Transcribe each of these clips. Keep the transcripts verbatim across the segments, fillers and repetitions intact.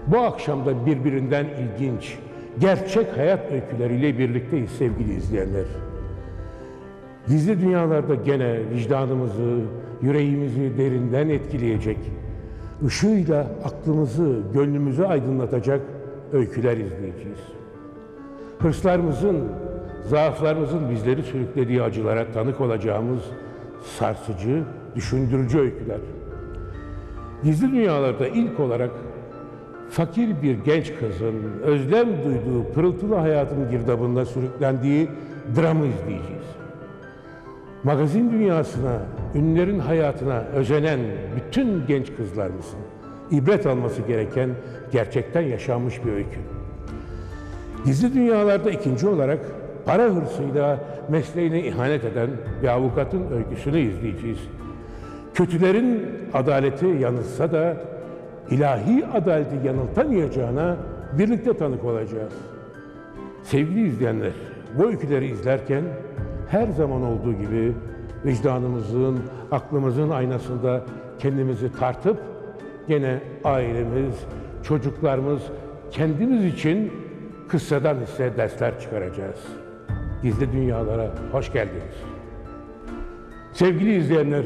Bu akşam da birbirinden ilginç, gerçek hayat öyküleriyle birlikteyiz sevgili izleyenler. Gizli dünyalarda gene vicdanımızı, yüreğimizi derinden etkileyecek, ışığıyla aklımızı, gönlümüzü aydınlatacak öyküler izleyeceğiz. Hırslarımızın, zaaflarımızın bizleri sürüklediği acılara tanık olacağımız sarsıcı, düşündürücü öyküler. Gizli dünyalarda ilk olarak fakir bir genç kızın özlem duyduğu pırıltılı hayatın girdabında sürüklendiği dramı izleyeceğiz. Magazin dünyasına, ünlülerin hayatına özenen bütün genç kızlarımızın ibret alması gereken gerçekten yaşanmış bir öykü. Gizli dünyalarda ikinci olarak para hırsıyla mesleğine ihanet eden bir avukatın öyküsünü izleyeceğiz. Kötülerin adaleti yanılsa da ilahi adaleti yanıltamayacağına birlikte tanık olacağız. Sevgili izleyenler, bu öyküleri izlerken her zaman olduğu gibi vicdanımızın, aklımızın aynasında kendimizi tartıp gene ailemiz, çocuklarımız, kendimiz için kıssadan hisse dersler çıkaracağız. Gizli dünyalara hoş geldiniz. Sevgili izleyenler,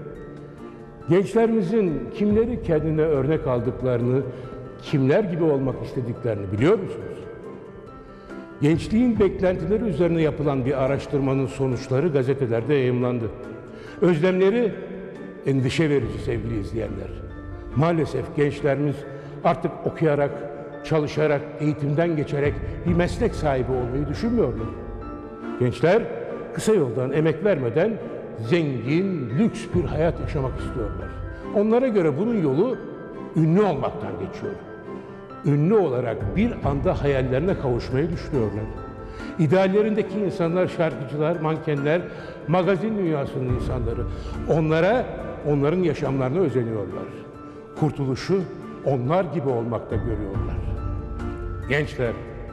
gençlerimizin kimleri kendine örnek aldıklarını, kimler gibi olmak istediklerini biliyor musunuz? Gençliğin beklentileri üzerine yapılan bir araştırmanın sonuçları gazetelerde yayımlandı. Özlemleri endişe verici sevgili izleyenler. Maalesef gençlerimiz artık okuyarak, çalışarak, eğitimden geçerek bir meslek sahibi olmayı düşünmüyorlar. Gençler kısa yoldan emek vermeden zengin, lüks bir hayat yaşamak istiyorlar. Onlara göre bunun yolu ünlü olmaktan geçiyor. Ünlü olarak bir anda hayallerine kavuşmayı düşünüyorlar. İdeallerindeki insanlar, şarkıcılar, mankenler, magazin dünyasının insanları. Onlara, onların yaşamlarına özeniyorlar. Kurtuluşu onlar gibi olmakta görüyorlar. Gençler,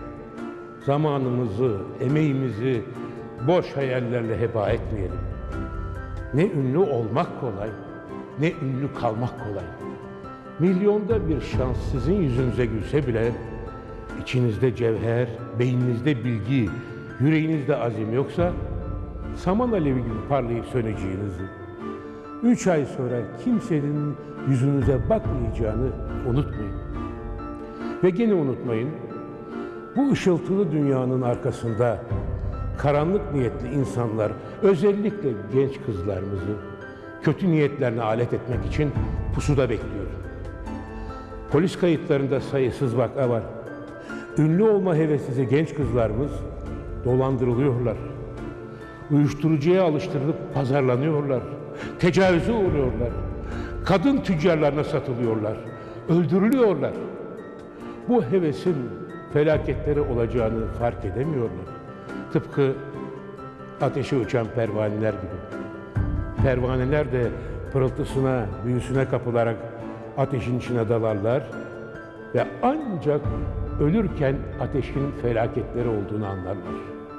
zamanımızı, emeğimizi boş hayallerle heba etmeyelim. Ne ünlü olmak kolay, ne ünlü kalmak kolay. Milyonda bir şans sizin yüzünüze gülse bile içinizde cevher, beyninizde bilgi, yüreğinizde azim yoksa saman alevi gibi parlayıp söneceğinizi, üç ay sonra kimsenin yüzünüze bakmayacağını unutmayın. Ve gene unutmayın, bu ışıltılı dünyanın arkasında karanlık niyetli insanlar, özellikle genç kızlarımızı kötü niyetlerine alet etmek için pusuda bekliyor. Polis kayıtlarında sayısız vaka var. Ünlü olma heveslisi genç kızlarımız dolandırılıyorlar. Uyuşturucuya alıştırılıp pazarlanıyorlar. Tecavüze uğruyorlar. Kadın tüccarlarına satılıyorlar. Öldürülüyorlar. Bu hevesin felaketleri olacağını fark edemiyorlar. Tıpkı ateşe uçan pervaneler gibi. Pervaneler de pırıltısına, büyüsüne kapılarak ateşin içine dalarlar ve ancak ölürken ateşin felaketleri olduğunu anlarlar.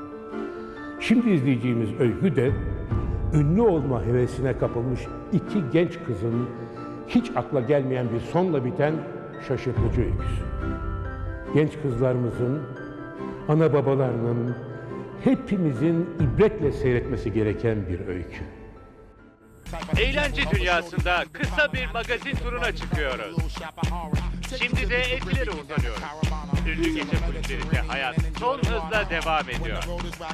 Şimdi izleyeceğimiz öykü de ünlü olma hevesine kapılmış iki genç kızın hiç akla gelmeyen bir sonla biten şaşırtıcı öyküsü. Genç kızlarımızın, ana babalarının, hepimizin ibretle seyretmesi gereken bir öykü. Eğlence dünyasında kısa bir magazin turuna çıkıyoruz. Şimdi de Etiler'e uzanıyoruz. Ünlü gece kulüplerinde hayat son hızla devam ediyor.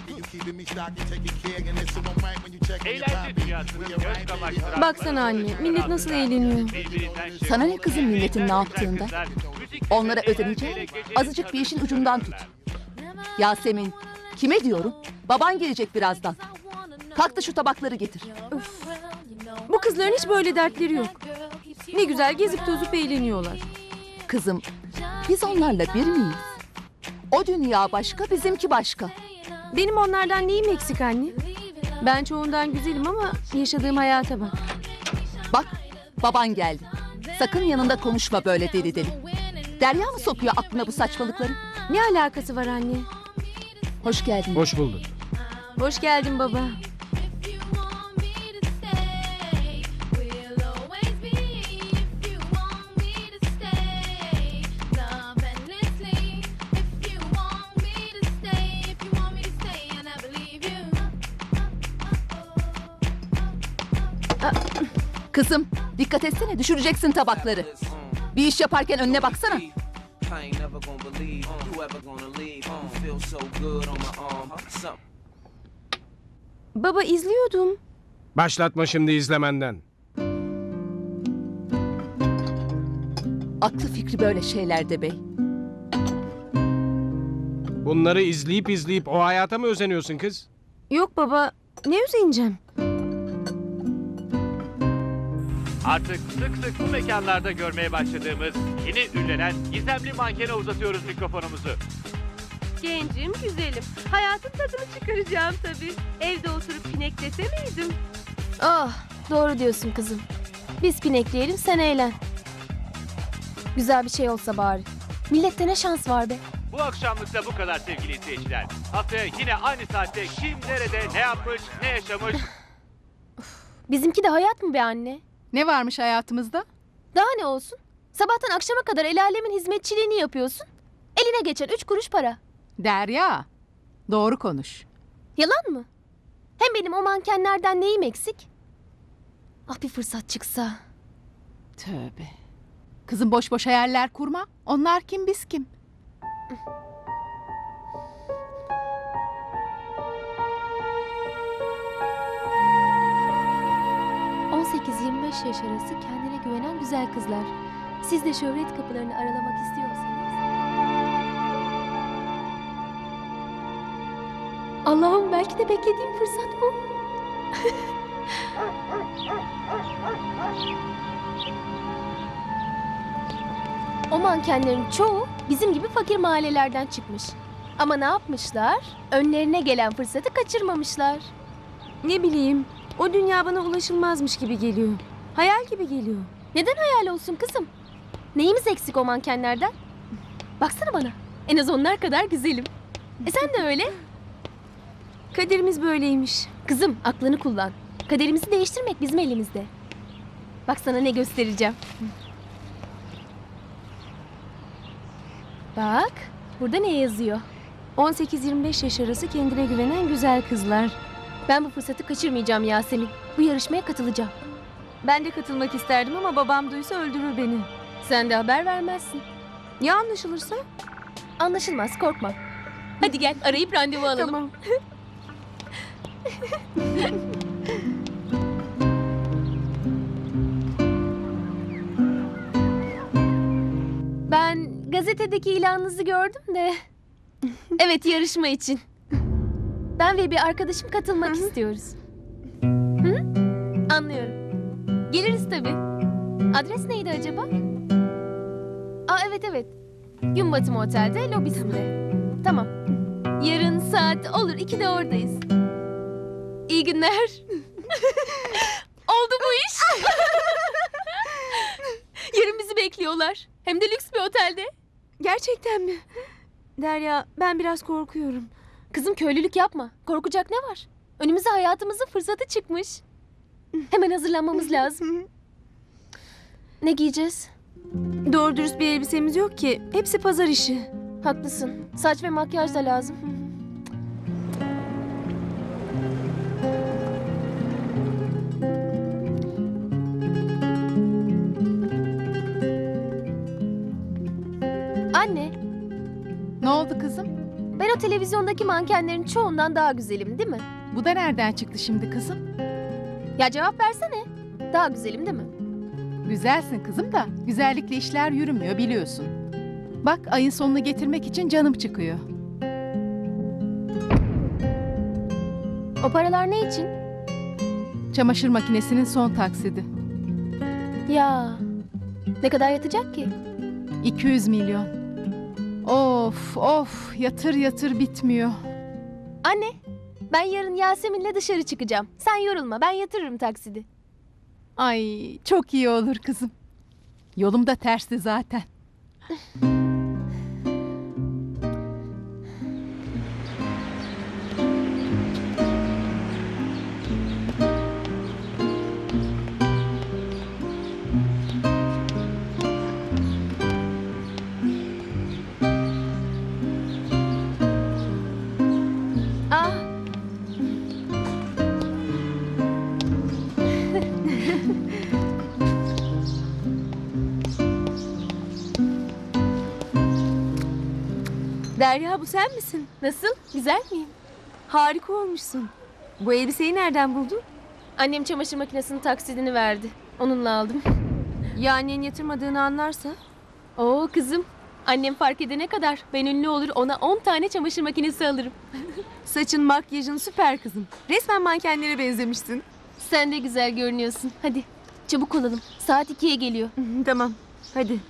Eğlence dünyasının göz kamaştıran... Baksana anne, millet nasıl eğleniyor. Sana ne kızım milletin ne yaptığında? Onlara özeneceğim, azıcık bir işin ucundan tut. Yasemin, kime diyorum? Baban gelecek birazdan. Kalk da şu tabakları getir. Öf. Bu kızların hiç böyle dertleri yok. Ne güzel gezip tozup eğleniyorlar. Kızım, biz onlarla bir miyiz? O dünya başka, bizimki başka. Benim onlardan neyim eksik anne? Ben çoğundan güzelim ama yaşadığım hayata bak. Bak, baban geldi. Sakın yanında konuşma böyle deli deli. Derya mı sokuyor aklına bu saçmalıkları? Ne alakası var anne? Hoş geldin. Hoş bulduk. Hoş geldin baba. Kızım dikkat etsene, düşüreceksin tabakları. Bir iş yaparken önüne baksana. I ain't never gonna believe you ever gonna leave. You feel so good on my arm. Something Baba izliyordum. Başlatma şimdi izlemenden. Aklı fikri böyle şeylerde bey. Bunları izleyip izleyip o hayata mı özeniyorsun kız? Yok baba, ne üzeneceğim? Artık sık sık bu mekanlarda görmeye başladığımız yeni ünlenen gizemli mankene uzatıyoruz mikrofonumuzu. Gencim, güzelim. Hayatın tadını çıkaracağım tabii. Evde oturup pineklese miydim? Ah, doğru diyorsun kızım. Biz pinekleyelim, sen eğlen. Güzel bir şey olsa bari. Millette ne şans var be. Bu akşamlık da bu kadar sevgili izleyiciler. Haftaya yine aynı saatte kim nerede ne yapmış ne yaşamış. Bizimki de hayat mı be anne? Ne varmış hayatımızda? Daha ne olsun? Sabahtan akşama kadar el alemin hizmetçiliğini yapıyorsun. Eline geçen üç kuruş para. Derya, doğru konuş. Yalan mı? Hem benim o mankenlerden neyim eksik? Ah bir fırsat çıksa. Tövbe. Kızım boş boş hayaller kurma. Onlar kim biz kim? on sekiz yirmi beş yaş arası kendine güvenen güzel kızlar. Siz de şöhret kapılarını aralamak istiyorsanız. Allah'ım belki de beklediğim fırsat bu. O mankenlerin çoğu bizim gibi fakir mahallelerden çıkmış. Ama ne yapmışlar? Önlerine gelen fırsatı kaçırmamışlar. Ne bileyim, o dünya bana ulaşılmazmış gibi geliyor. Hayal gibi geliyor. Neden hayal olsun kızım? Neyimiz eksik o mankenlerden? Baksana bana, en az onlar kadar güzelim. E sen de öyle. Kaderimiz böyleymiş. Kızım, aklını kullan. Kaderimizi değiştirmek bizim elimizde. Bak sana ne göstereceğim. Bak, burada ne yazıyor? on sekiz yirmi beş yaş arası kendine güvenen güzel kızlar. Ben bu fırsatı kaçırmayacağım Yasemin. Bu yarışmaya katılacağım. Ben de katılmak isterdim ama babam duysa öldürür beni. Sen de haber vermezsin. Ya anlaşılırsa? Anlaşılmaz, korkma. Hadi gel, arayıp randevu alalım. Tamam. Ben gazetedeki ilanınızı gördüm de. Evet, yarışma için. Ben ve bir arkadaşım katılmak istiyoruz. Hı? Anlıyorum. Geliriz tabii. Adres neydi acaba? Aa evet evet. Gün batımı otelde lobisinde. Tamam. Yarın saat olur ikide oradayız. İyi günler. Oldu bu iş. Yarın bizi bekliyorlar. Hem de lüks bir otelde. Gerçekten mi? Derya, ben biraz korkuyorum. Kızım köylülük yapma. Korkacak ne var? Önümüze hayatımızın fırsatı çıkmış. Hemen hazırlanmamız lazım. Ne giyeceğiz? Doğru dürüst bir elbisemiz yok ki. Hepsi pazar işi. Haklısın. Saç ve makyaj da lazım. Anne, Ne oldu kızım? ben o televizyondaki mankenlerin çoğundan daha güzelim değil mi? Bu da nereden çıktı şimdi kızım? Ya cevap versene. Daha güzelim değil mi? Güzelsin kızım da güzellikle işler yürümüyor biliyorsun. Bak ayın sonunu getirmek için canım çıkıyor. O paralar ne için? Çamaşır makinesinin son taksidi. Ya ne kadar yatacak ki? iki yüz milyon. Of of yatır yatır bitmiyor. Anne, ben yarın Yasemin'le dışarı çıkacağım. Sen yorulma, ben yatırırım taksidi. Ay çok iyi olur kızım. Yolum da tersti zaten. Ah. Derya bu sen misin? Nasıl? Güzel miyim? Harika olmuşsun. Bu elbiseyi nereden buldun? Annem çamaşır makinesinin taksidini verdi. Onunla aldım. Ya annen yatırmadığını anlarsa? Oo kızım. Annem fark edene kadar ben ünlü olur ona on tane çamaşır makinesi alırım. Saçın, makyajın süper kızım. Resmen mankenlere benzemişsin. Sen de güzel görünüyorsun. Hadi çabuk olalım. Saat ikiye geliyor. Tamam, hadi.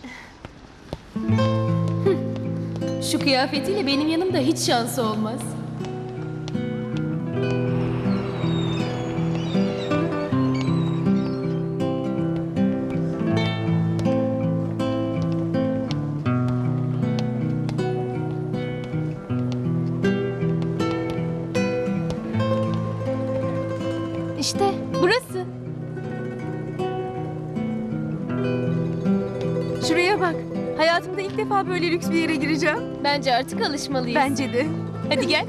Şu kıyafetiyle benim yanımda hiç şansı olmaz. İşte burası. Şuraya bak. Hayatımda ilk defa böyle lüks bir yere gireceğim. Bence artık alışmalıyız. Bence de. Hadi gel.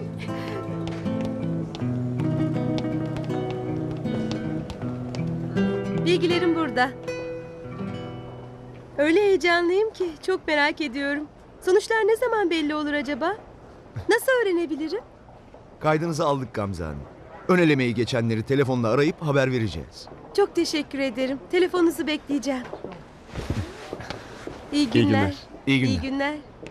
Bilgilerim burada. Öyle heyecanlıyım ki çok merak ediyorum. Sonuçlar ne zaman belli olur acaba? Nasıl öğrenebilirim? Kaydınızı aldık Gamze Hanım. Ön elemeyi geçenleri telefonla arayıp haber vereceğiz. Çok teşekkür ederim. Telefonunuzu bekleyeceğim. İyi günler. İyi günler. İyi günler.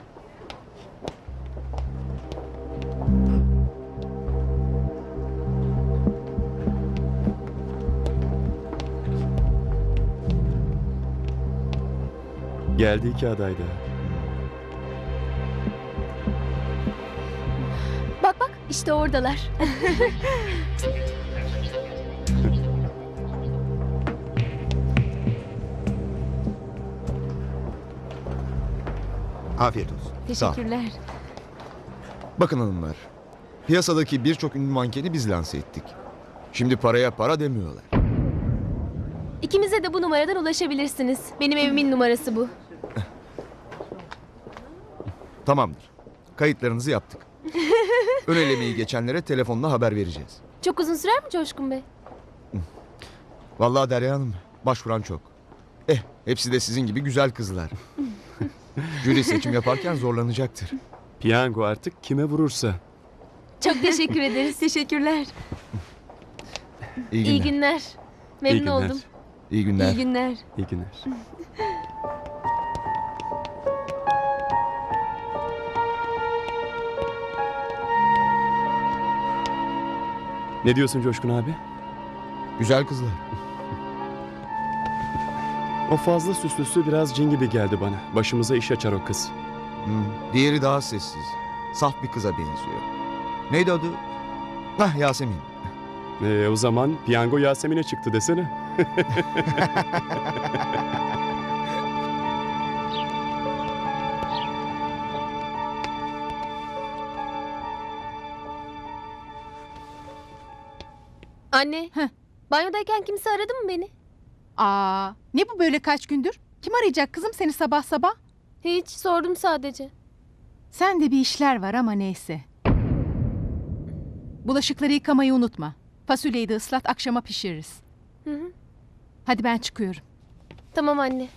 Geldi iki aday da. Bak bak işte oradalar. Afiyet olsun. Sağ ol. Teşekkürler. Bakın hanımlar. Piyasadaki birçok ünlü mankeni biz lanse ettik. Şimdi paraya para demiyorlar. İkimize de bu numaradan ulaşabilirsiniz. Benim evimin numarası bu. Tamamdır. Kayıtlarınızı yaptık. Ön elemeyi geçenlere telefonla haber vereceğiz. Çok uzun sürer mi Coşkun Bey? Vallahi Derya Hanım, başvuran çok. Eh, hepsi de sizin gibi güzel kızlar. Jüri seçim yaparken zorlanacaktır. Piyango artık kime vurursa. Çok teşekkür ederiz. Teşekkürler. İyi günler. İyi günler. Memnun İyi günler. oldum. İyi günler. İyi günler. İyi günler. Ne diyorsun Coşkun abi? Güzel kızlar. O fazla süslüsü biraz cin gibi geldi bana. Başımıza iş açar o kız. Hmm, diğeri daha sessiz. Saf bir kıza benziyor. Neydi adı? Hah, Yasemin. Ee, o zaman piyango Yasemin'e çıktı desene. Anne. Banyodayken kimse aradı mı beni? Aa, ne bu böyle kaç gündür? Kim arayacak kızım seni sabah sabah? Hiç sordum sadece. Sen de bir işler var ama neyse. Bulaşıkları yıkamayı unutma. Fasulyeyi de ıslat akşama pişiririz. Hı hı. Hadi ben çıkıyorum. Tamam anne.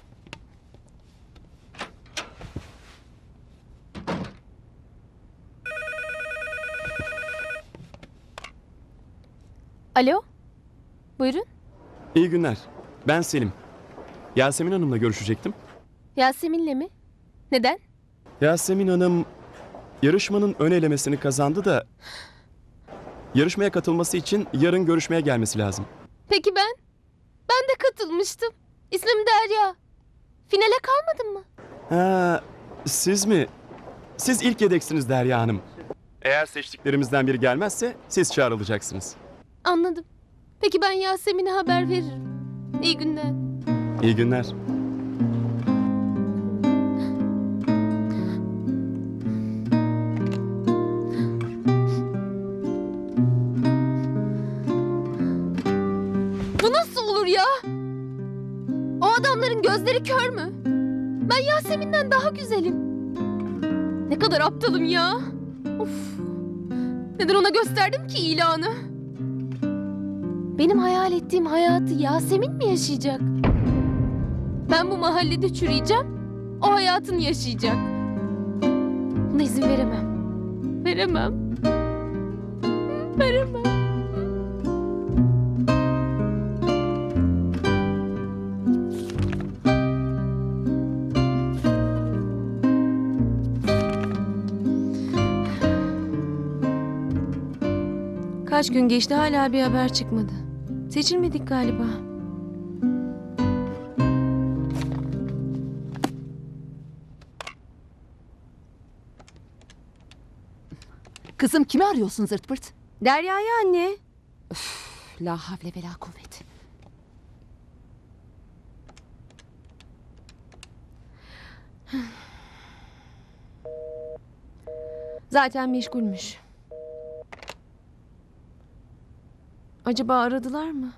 Alo? Buyurun. İyi günler. Ben Selim. Yasemin Hanım'la görüşecektim. Yasemin'le mi? Neden? Yasemin Hanım yarışmanın ön elemesini kazandı da yarışmaya katılması için yarın görüşmeye gelmesi lazım. Peki ben? Ben de katılmıştım. İsmim Derya. Finale kalmadın mı? Ha, siz mi? Siz ilk yedeksiniz Derya Hanım. Eğer seçtiklerimizden biri gelmezse siz çağrılacaksınız. Anladım. Peki ben Yasemin'e haber veririm. İyi günler. İyi günler. Bu nasıl olur ya? O adamların gözleri kör mü? Ben Yasemin'den daha güzelim. Ne kadar aptalım ya. Of. Neden ona gösterdim ki ilanı? Benim hayal ettiğim hayatı Yasemin mi yaşayacak? Ben bu mahallede çürüyeceğim. O hayatını yaşayacak. Buna izin veremem. Veremem. Veremem. Kaç gün geçti hala bir haber çıkmadı. Seçilmedik galiba. Kızım kimi arıyorsun zırt pırt? Derya'yı anne. La havle ve la kuvvet. Zaten meşgulmüş. Acaba aradılar mı?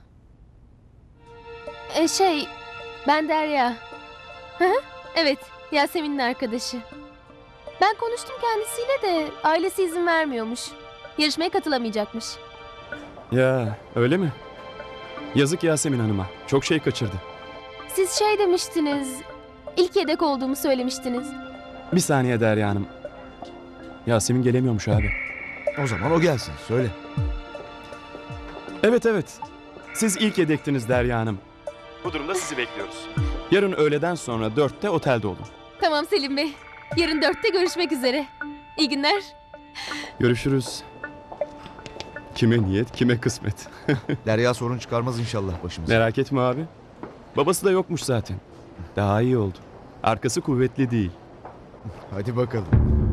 E şey, ben Derya. Hı hı, evet, Yasemin'in arkadaşı. Ben konuştum kendisiyle de ailesi izin vermiyormuş. Yarışmaya katılamayacakmış. Ya öyle mi? Yazık Yasemin Hanım'a. Çok şey kaçırdı. Siz şey demiştiniz, ilk yedek olduğumu söylemiştiniz. Bir saniye Derya Hanım. Yasemin gelemiyormuş abi. O zaman o gelsin söyle. Evet evet. Siz ilk yedektiniz Derya Hanım. Bu durumda sizi bekliyoruz. Yarın öğleden sonra dörtte otelde olun. Tamam Selim Bey, yarın dörtte görüşmek üzere. İyi günler. Görüşürüz. Kime niyet, kime kısmet. Derya sorun çıkarmaz inşallah başımıza. Merak etme abi. Babası da yokmuş zaten. Daha iyi oldu. Arkası kuvvetli değil. Hadi bakalım.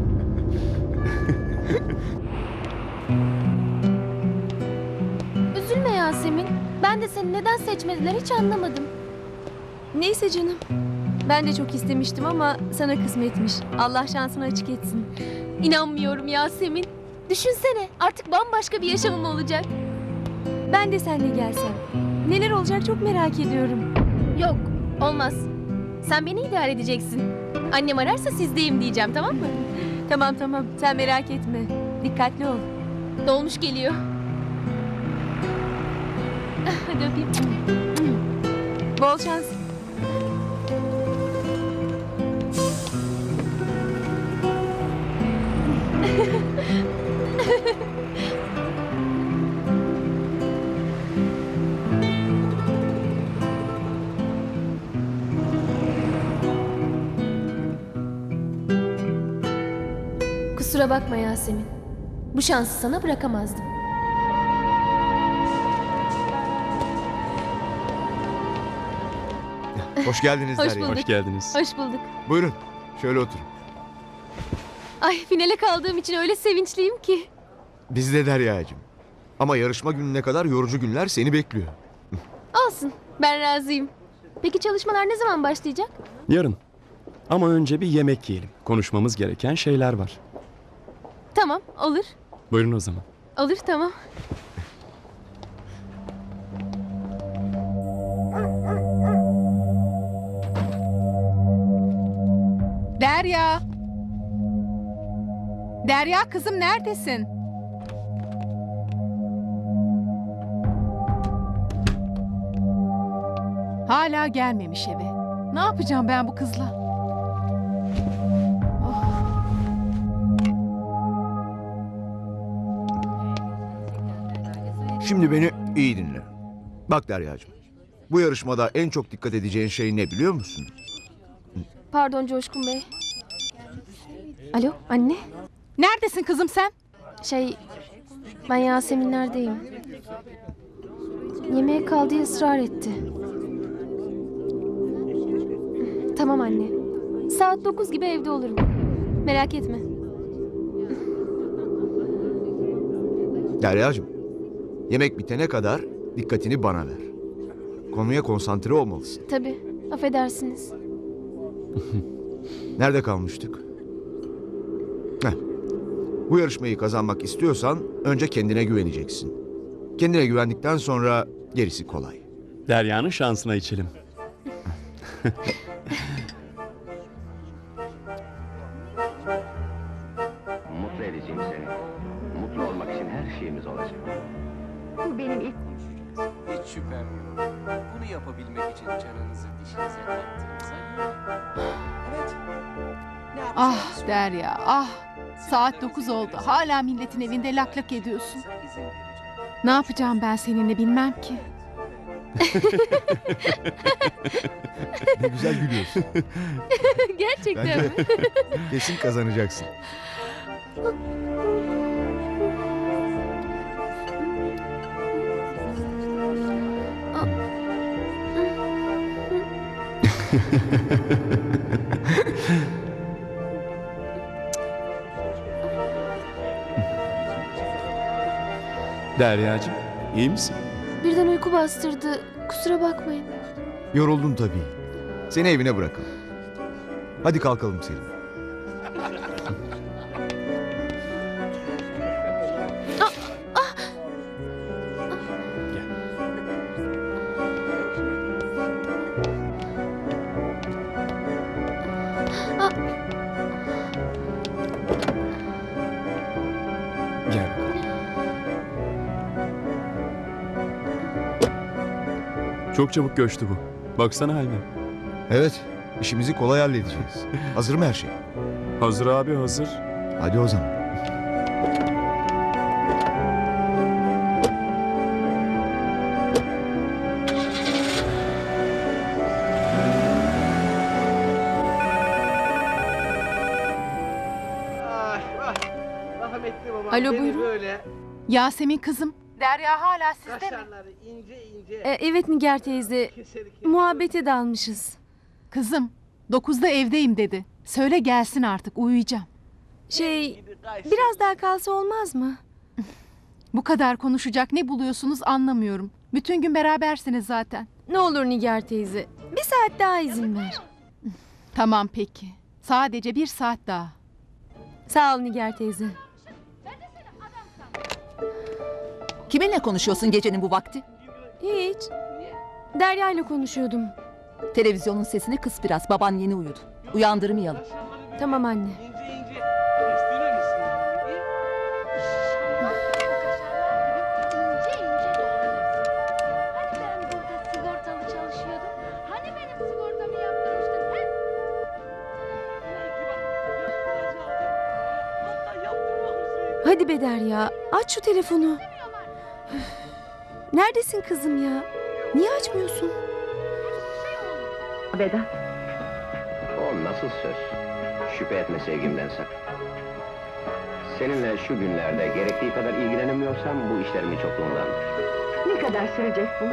Üzülme Yasemin. Ben de seni neden seçmediler hiç anlamadım. Neyse canım. Ben de çok istemiştim ama sana kısmetmiş. Allah şansını açık etsin. İnanmıyorum Yasemin. Düşünsene artık bambaşka bir yaşamım olacak. Ben de seninle gelsem. Neler olacak çok merak ediyorum. Yok olmaz. Sen beni idare edeceksin. Annem ararsa sizdeyim diyeceğim tamam mı? Tamam tamam sen merak etme. Dikkatli ol. Dolmuş geliyor. Hadi öpeyim. Bol şans. Kusura bakma Yasemin. Bu şansı sana bırakamazdım. Hoş geldiniz Hoş Derya. bulduk. Hoş geldiniz. Hoş bulduk. Buyurun şöyle oturun. Ay finale kaldığım için öyle sevinçliyim ki. Biz de Derya'cığım. Ama yarışma gününe kadar yorucu günler seni bekliyor. Olsun ben razıyım. Peki çalışmalar ne zaman başlayacak? Yarın. Ama önce bir yemek yiyelim. Konuşmamız gereken şeyler var. Tamam olur. Buyurun o zaman. Olur tamam. Derya. Derya kızım neredesin? Hala gelmemiş eve. Ne yapacağım ben bu kızla? Oh. Şimdi beni iyi dinle. Bak Derya'cığım. Bu yarışmada en çok dikkat edeceğin şey ne biliyor musun? Pardon Coşkun Bey. Alo anne. Neredesin kızım sen? Şey ben Yaseminler'deyim. Yemeğe kal diye ısrar etti. Tamam anne. Saat dokuz gibi evde olurum. Merak etme. Derya'cığım. Yemek bitene kadar dikkatini bana ver. Konuya konsantre olmalısın. Tabii. Affedersiniz. Nerede kalmıştık? Heh. Bu yarışmayı kazanmak istiyorsan önce kendine güveneceksin. Kendine güvendikten sonra gerisi kolay. Derya'nın şansına içelim. Mutlu edeceğim seni. Mutlu olmak için her şeyimiz olacak. Bu benim ilk Hiç şüphem yok. Bunu yapabilmek için canınızı dişinize taktığınıza göre. Evet. Ne Ah yapacağınızı Derya ah. Saat dokuz oldu. Hala milletin evinde lak lak ediyorsun. Ne yapacağım ben seninle bilmem ki. Ne güzel gülüyorsun. Gerçekten Bence mi? kesin kazanacaksın. Deryacığım, iyi misin? Birden uyku bastırdı. Kusura bakmayın. Yoruldun tabii. Seni evine bırakalım. Hadi kalkalım Selim. Gel bakalım. Çok çabuk göçtü bu. Baksana haline. Evet, işimizi kolay halledeceğiz. Hazır mı her şey? Hazır abi, hazır. Hadi o zaman. Rahmetli babam Alo, beni buyurun. böyle Yasemin kızım. Derya hala sizde mi? kaşarları ince ince E, evet Nigar teyze. keser keser. Muhabbete dalmışız. Kızım, dokuzda evdeyim dedi. Söyle gelsin artık, uyuyacağım. Şey, biraz daha kalsa olmaz mı? Bu kadar konuşacak ne buluyorsunuz anlamıyorum. Bütün gün berabersiniz zaten. Ne olur Nigar teyze. Bir saat daha izin ver. Tamam peki. Sadece bir saat daha. Sağ ol Nigar teyze. Kiminle konuşuyorsun gecenin bu vakti? Hiç. Derya ile konuşuyordum. Televizyonun sesini kıs biraz. Baban yeni uyudu. Uyandırmayalım. Tamam anne. İnce ince kestirir misin? İnce ince doğranırsın. Hani ben burada sigortalı çalışıyordum? Hani benim sigortamı yaptırmıştın he? Hatta yaptırmamışsın. Hadi be Derya. Aç şu telefonu. Üf. Neredesin kızım ya? Niye açmıyorsun? Vedat. O nasıl söz? Şüphe etme sevgimden sakın. Seninle şu günlerde gerektiği kadar ilgilenemiyorsam bu işlerimin çokluğundandır. Ne kadar sürecek bu?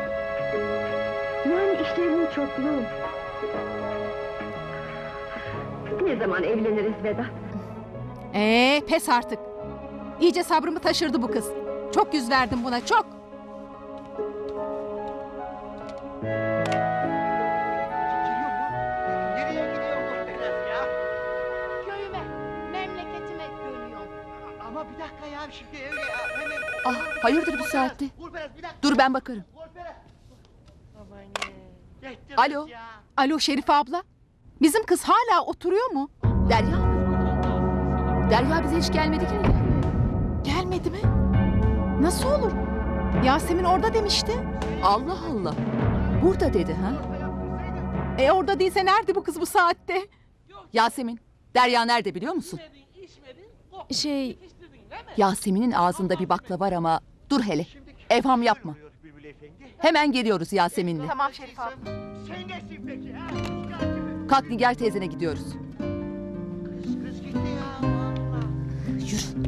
Yani işlerinin çokluğu. Ne zaman evleniriz Vedat? Ee, pes artık. İyice sabrımı taşırdı bu kız. Çok yüz verdim buna, çok. Nereye gidiyor bu Vedat ya? Köyüme, memleketime dönüyorum. Ama bir dakika ya şimdi öyle ya. Hemen. Ah, hayırdır bu saatte? Vur Berat bir dakika. Dur ben bakarım. Vur Berat. Aman ne. Yetti Alo. kız ya. Alo Şerife abla. Bizim kız hala oturuyor mu? Derya mı? Derya bize hiç gelmedi ki. Gelmedi mi? Nasıl olur? Yasemin orada demişti. Allah Allah. Burada dedi ha? E orada değilse nerede bu kız bu saatte? Yasemin. Derya nerede biliyor musun? Şey, Yasemin'in ağzında bir bakla var ama dur hele. Evham yapma. Hemen geliyoruz Yasemin'le. Tamam Şerife abla. Sen nesin peki ha? Kalk Nigar teyzene gidiyoruz. Kız gitti ya. Vallahi. Yürü.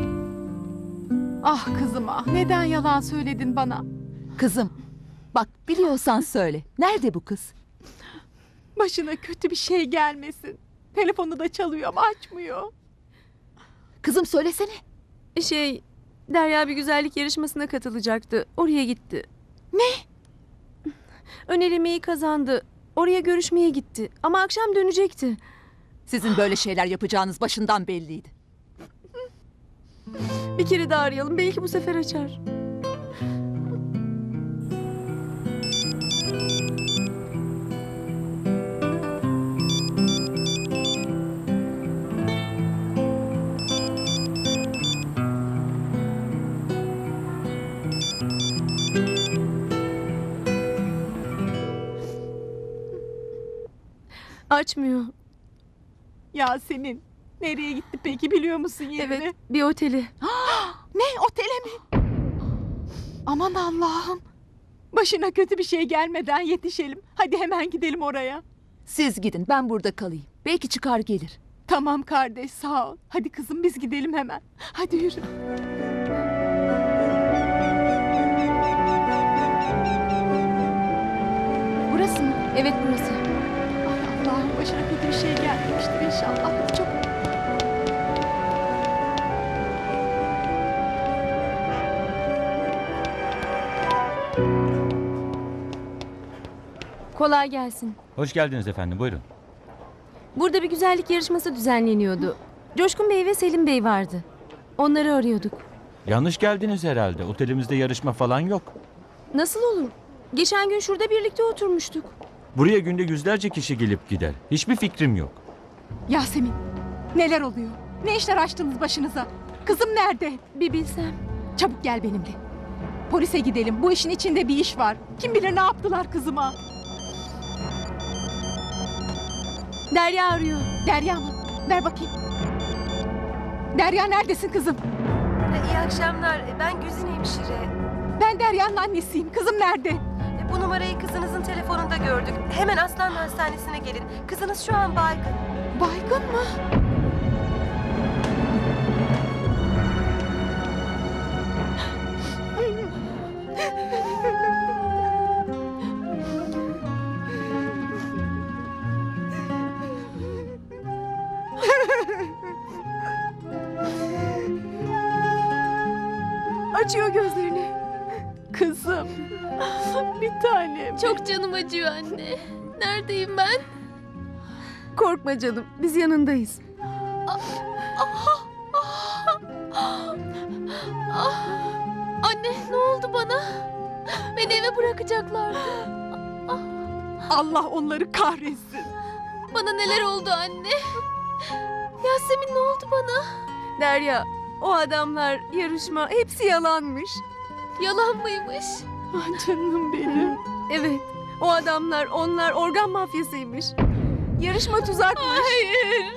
Ah kızım ah, neden yalan söyledin bana? Kızım. Bak biliyorsan söyle. Nerede bu kız? Başına kötü bir şey gelmesin. Telefonu da çalıyor ama açmıyor. Kızım söylesene. şey, Derya bir güzellik yarışmasına katılacaktı. Oraya gitti. Ne? Ön elemeyi kazandı. Oraya görüşmeye gitti. Ama akşam dönecekti. Sizin böyle şeyler yapacağınız başından belliydi. Bir kere daha arayalım. Belki bu sefer açar. Açmıyor. Yasemin, Nereye gitti peki, biliyor musun yerini? Evet, bir oteli. Ne, otele mi? Aman Allah'ım. Başına kötü bir şey gelmeden yetişelim. Hadi hemen gidelim oraya. Siz gidin, ben burada kalayım. Belki çıkar gelir. Tamam kardeş, sağ ol. Hadi kızım, biz gidelim hemen. Hadi yürü. Burası mı? Evet, burası. Ay Allah'ım, başına kötü bir şey gelmemiştir inşallah. Hadi çok... Kolay gelsin. Hoş geldiniz efendim, buyurun. Burada bir güzellik yarışması düzenleniyordu. Coşkun Bey ve Selim Bey vardı. Onları arıyorduk. Yanlış geldiniz herhalde. Otelimizde yarışma falan yok. Nasıl olur? Geçen gün şurada birlikte oturmuştuk. Buraya günde yüzlerce kişi gelip gider. Hiçbir fikrim yok. Yasemin, neler oluyor? Ne işler açtınız başınıza? Kızım nerede? Bir bilsem. Çabuk gel benimle. Polise gidelim. Bu işin içinde bir iş var. Kim bilir ne yaptılar kızıma? Derya arıyor. Derya mı? Ver bakayım. Derya, neredesin kızım? İyi akşamlar. Ben Güzin hemşire. Ben Derya'nın annesiyim. Kızım nerede? Bu numarayı kızınızın telefonunda gördük. Hemen Aslan Hastanesi'ne gelin. Kızınız şu an baygın. Baygın mı? Açıyor gözlerini. Kızım. Bir tanem. Çok canım acıyor anne. Neredeyim ben? Korkma canım. Biz yanındayız. Anne, ne oldu bana? Beni eve bırakacaklardı. Allah onları kahretsin. Bana neler oldu anne? Yasemin, ne oldu bana? Derya, o adamlar, yarışma hepsi yalanmış. Yalan mıymış? Ah canım benim. Evet, o adamlar, onlar organ mafyasıymış. Yarışma tuzakmış. Hayır.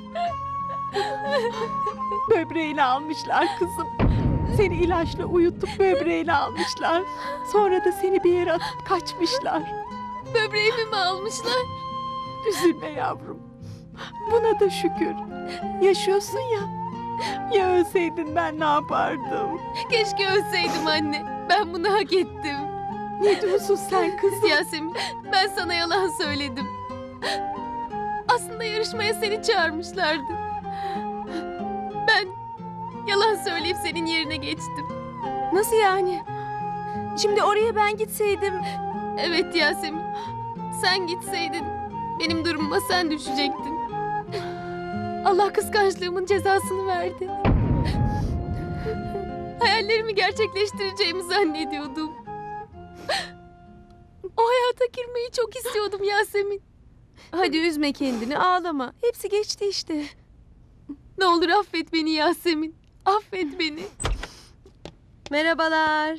Böbreğini almışlar kızım. Seni ilaçla uyutup böbreğini almışlar. Sonra da seni bir yere atıp kaçmışlar. Böbreğimi mi almışlar? Üzülme yavrum. Buna da şükür. Yaşıyorsun ya. Ya ölseydin ben ne yapardım? Keşke ölseydim anne. Ben bunu hak ettim. Ne diyorsun sen kızım? Yasemin, ben sana yalan söyledim. Aslında yarışmaya seni çağırmışlardı. Ben yalan söyleyip senin yerine geçtim. Nasıl yani? Şimdi oraya ben gitseydim... Evet Yasemin, sen gitseydin benim durumuma sen düşecektin. Allah kıskançlığımın cezasını verdi. Hayallerimi gerçekleştireceğimi zannediyordum. O hayata girmeyi çok istiyordum Yasemin. Hadi üzme kendini, ağlama. Hepsi geçti işte. Ne olur affet beni Yasemin. Affet beni. Merhabalar.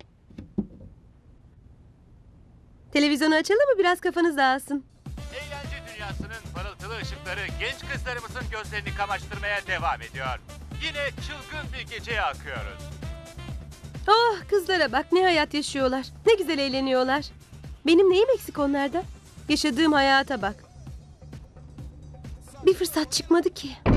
Televizyonu açalım mı? Biraz kafanız dağılsın. Eğlence dünyasının parıltılı ışıkları genç kızlarımızın gözlerini kamaştırmaya devam ediyor. Yine çılgın bir geceye akıyoruz. Oh, kızlara bak, ne hayat yaşıyorlar. Ne güzel eğleniyorlar. Benim neyim eksik onlarda? Yaşadığım hayata bak. Bir fırsat çıkmadı ki.